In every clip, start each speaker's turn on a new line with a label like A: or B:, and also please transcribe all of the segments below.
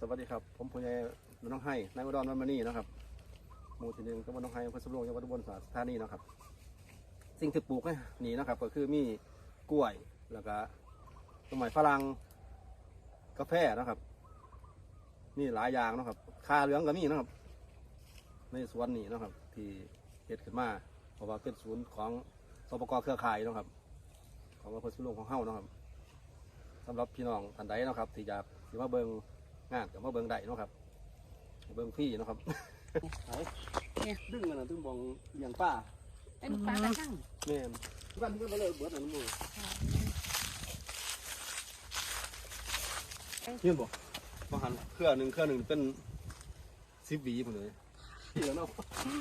A: วัสดีครับผมผู้ใหญ่น้องไห้นายอุดรวันมานี่นะครับหมู่ที่หนึ่งตำบลน้องไห้อำเภอสำโรงจังหวัดอุบลราชธานีนะครับสิ่งที่ปลูกนี่นะครับก็คือมีกล้วยแล้วก็ต้นไม้ฝรั่งกาแฟนะครับนี่หลายอย่างนะครับคาเหลืองก็มีนะครับในสวนนี่นะครับที่เกิดขึ้นมาเพราะว่าเป็นศูนย์ของสปก.เครือข่ายนะครับของอำเภอสำโรงของเฮ้านะครับสำหรับพี่น้องท่านใดนะครับที่อยากสิมาเบิงงานกับมาเบิงได้นะครับเบิงพี่นะครับดึงกันนะดึงบองอย่างป้า
B: ไอ้ลูกปลากระทั่ง
A: แม่นทุกท่านก็เลยเบิดหนังมือเห็นบ่มาหันเครือหนึ่งเป็น10 หวีหมดเลยเดี๋ยวเนาะ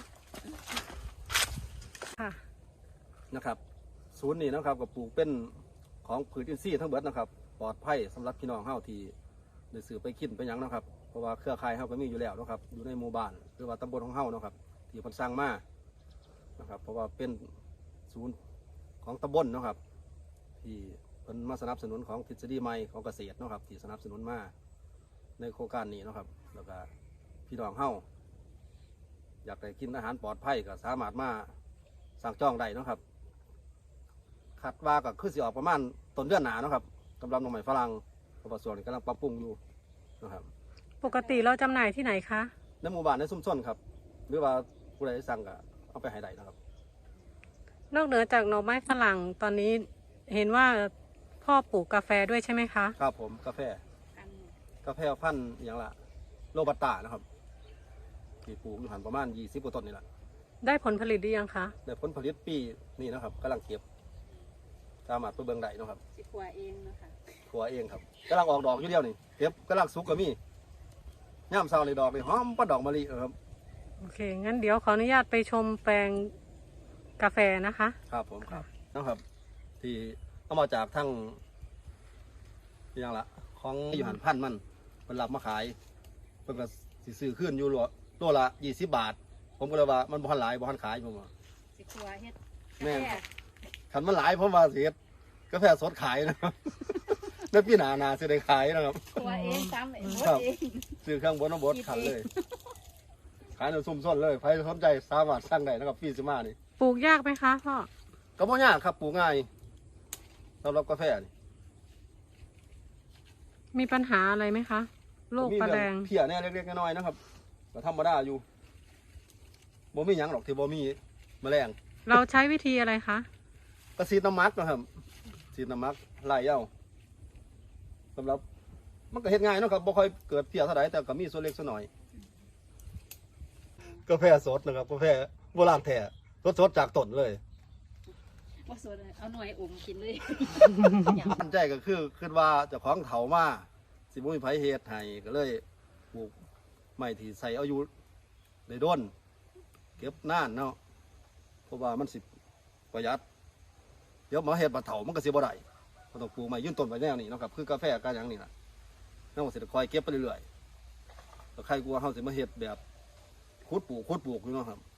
A: นะครับศูนย์นี้นะครับกับปลูกเป็นของผืนอินทรีย์ทั้งเบิดนะครับปลอดภัยสำหรับพี่น้องเฮาที่ได้ซื้อไปกินไปยังนะครับเพราะว่าเครือข่ายเฮาก็มีอยู่แล้วนะครับอยู่ในหมู่บ้านหรือว่าตำบลของเฮานะครับที่เพิ่นสร้างมานะครับเพราะว่าเป็นศูนย์ของตำบลนะครับที่เพิ่นมาสนับสนุนของทฤษฎีใหม่ของเกษตรนะครับที่สนับสนุนมาในโครงการนี้นะครับแล้วก็พี่น้องเฮาอยากได้กินอาหารปลอดภัยก็สามารถมาสั่งจองได้นะครับคาดว่าก็คือสิออกประมาณต้นเดือนหน้านะครับกำลังหน่อไม้ฝรั่งเพราะว่าส่วนนี้กำลังปรับปรุงอยู่นะครับ
B: ปกติเราจำหน่ายที่ไหนคะ
A: ในหมู่บ้านในชุมชนครับหรือว่าผู้ใดสั่งก็เอาไปให้ได้นะครับ
B: นอกเหนือจากหน่อไม้ฝรั่งตอนนี้เห็นว่าพ่อปลูกกาแฟด้วยใช่ไหมคะ
A: ครับผมกาแฟพันธุ์อย่างละโรบัสต้านะครับที่ปลูกอยู่หันประมาณ20 กว่าต้นนี่แหละ
B: ได้ผลผลิตหรือยังคะ
A: ได้ผลผลิตปีนี่นะครับกำลังเก็บสามารถไปเบิ่งได้นะครับ
C: สิขัวเองนะคะ
A: ขัวเองครับกำลังออกดอกอยู่เดียวนี่เก็บกำลังสุกก็มีย่ามเช้าในดอกนี่หอมปัดดอกมะลิครับ
B: โอเคงั้นเดี๋ยวขออนุญาตไปชมแปลงกาแฟนะคะ
A: ครับผมครับนะครับที่เอามาจากทั้งอย่างละของอยู่หันพันมันเป็นรับมาขายเป็นก็สิซื้อขึ้นอยู่ตัวละ20 บาทผมก็เลยว่ามันบ่ทันหลายบ่ทันขายผมว่า
C: สิขัวเฮ็ด
A: แม่ขันมันหลายผมว่าสิเฮ็ดกาแฟสดขายนะครับในปีหน้าสิได้ขายนะครับ
C: ขัวเองซ้ำเอง
A: ซื้อเครื่องบดน้ำบดขันเลยขายในซุ่มซ่อนเลยใครสนใจสามารถสั่งได้นะครับพี่ซิมานี่
B: ปลูกยากไหมคะพ่อ
A: ก็ไม่ยากครับปลูกง่ายสำหรับกาแฟนี่
B: มีปัญหาอะไรไหมคะโรคปลาแดง
A: เพี้ยเนี่ยเล็กๆน้อยๆนะครับก็ธรรมดาอยู่บ่มีหยังหรอกที่บ่มีแมลง
B: เราใช้วิธีอะไรคะ
A: ก็ฉีดน้ำมักนะครับฉีดน้ำมักไล่เอาสำหรับมันก็เฮ็ดง่ายนะครับบ่ค่อยเกิดเพี้ยเท่าไหร่แต่ก็มีส่วนเล็กส่วนน้อยกาแฟสดนะครับกาแฟโบราณแท้สดจากต้นเลย
C: ว่าสดเอาหน่วยอมกินเลย
A: ตั้งใจก็คือว่าเจ้าของเถามาสิบุ้ยไผเฮ็ดให้ก็เลยปลูกไม้ที่ใส่เอาอยู่ได้ด้นเก็บนานเนาะเพราะว่ามันสิประหยัดเดี๋ยวมาเฮ็ดปลาเถามันก็สิบ่ได้ก็ต้องปลูกไม้ยืนต้นไว้แนวนี้เนาะครับคือกาแฟกันอย่างนี้ล่ะเนาะสิคอยเก็บไปเรื่อยๆแล้วใครกลัวเฮาสิมาเฮ็ดแบบขุดปลูกอยู่เนาะครับ